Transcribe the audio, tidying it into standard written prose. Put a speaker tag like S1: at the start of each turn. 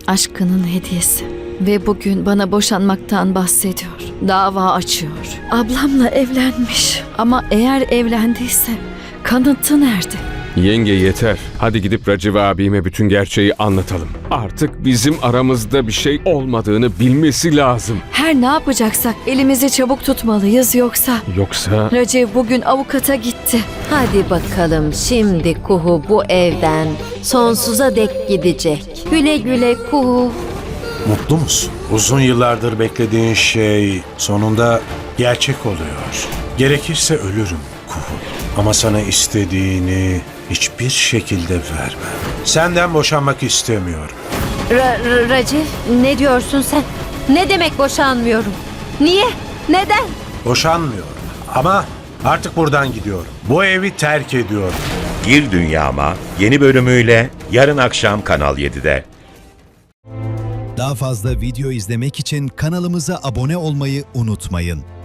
S1: aşkının hediyesi. Ve bugün bana boşanmaktan bahsediyor. Dava açıyor. Ablamla evlenmiş. Ama eğer evlendiyse kanıtı nerede?
S2: Yenge yeter. Hadi gidip Raciv abime bütün gerçeği anlatalım. Artık bizim aramızda bir şey olmadığını bilmesi lazım.
S1: Her ne yapacaksak elimizi çabuk tutmalıyız yoksa...
S2: Yoksa...
S1: Raciv bugün avukata gitti.
S3: Hadi bakalım şimdi Kuhu bu evden sonsuza dek gidecek. Güle güle Kuhu.
S4: Mutlu musun? Uzun yıllardır beklediğin şey sonunda gerçek oluyor. Gerekirse ölürüm Kuhu. Ama sana istediğini hiçbir şekilde vermem. Senden boşanmak istemiyorum.
S3: Raciv, ne diyorsun sen? Ne demek boşanmıyorum? Niye? Neden?
S4: Boşanmıyorum ama artık buradan gidiyorum. Bu evi terk ediyorum.
S5: Gir Dünyama yeni bölümüyle yarın akşam Kanal 7'de.
S6: Daha fazla video izlemek için kanalımıza abone olmayı unutmayın.